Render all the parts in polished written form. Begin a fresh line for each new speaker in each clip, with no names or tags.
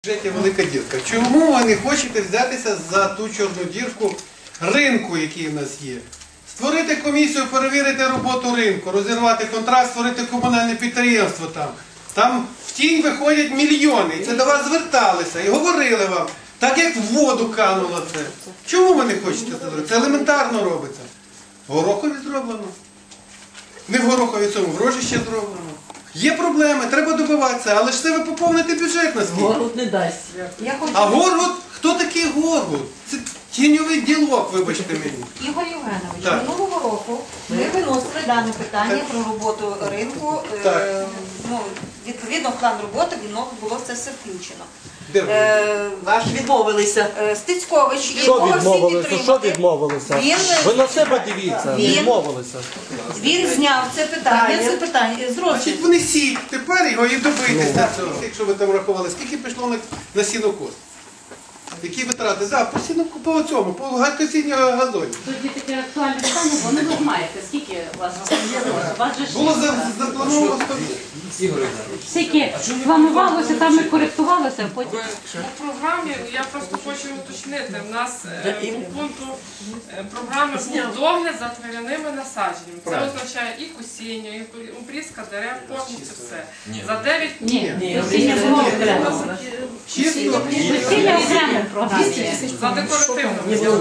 бюджеті велика дірка. Чому ви не хочете взятися за ту чорну дірку ринку, який в нас є? Створити комісію, перевірити роботу ринку, розірвати контракт, створити комунальне підприємство там. Там в тінь виходять мільйони. І це до вас зверталися і говорили вам, так як в воду кануло це. Чому ви не хочете це зробити? Це елементарно робиться. В Горохові зроблено. Не в Горохові цьому, в Рожищі зроблено. Є проблеми, треба добиватися, але ж це ви поповните бюджет на скільки.
Горгут не дасть.
А Горгут? Хто такий Горгут? Це тіньовий ділок, вибачте мені.
Ігор Євгенович,
Так.
минулого року ми виносили дане питання про роботу ринку.
Так.
Відповідно, в план роботи воно було це все включено.
Де ви?
Ваш відмовилися.
Стецькович,
Що
якого всі
відмовилися? Що
підтримали,
відмовилися?
Він-
Ви на себе дивіться,
Він-
відмовилися.
він зняв це питання з
Значить,
розгляду.
вони сіть, тепер його і добитися цього. Якщо ви там рахували, скільки пішло на сінокос? Які витрати? Так, по сінокосу, по цьому, по косінню газоні.
Тоді таке актуальне питання, бо не ви знаєте, скільки у вас заплановано. У вас же ж
Було заплановано 100.
скільки планувалося, там і коректувалося, а потім...
У програмі, я просто хочу уточнити, в нас по пункту програми був догляд за трав'яними насадженнями. Це означає і косіння, і обрізка дерев, повністю все. За 9
Ні, весілля було окремо.
Чисто?
Весілля окремо в програмі.
за декоративну.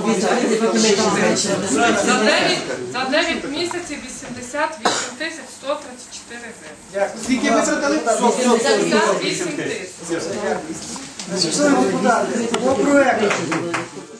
За 9 місяців 88 тисяч 134 гривень.
Скільки витратили?
58 тисяч.
Шановні депутати, по проекту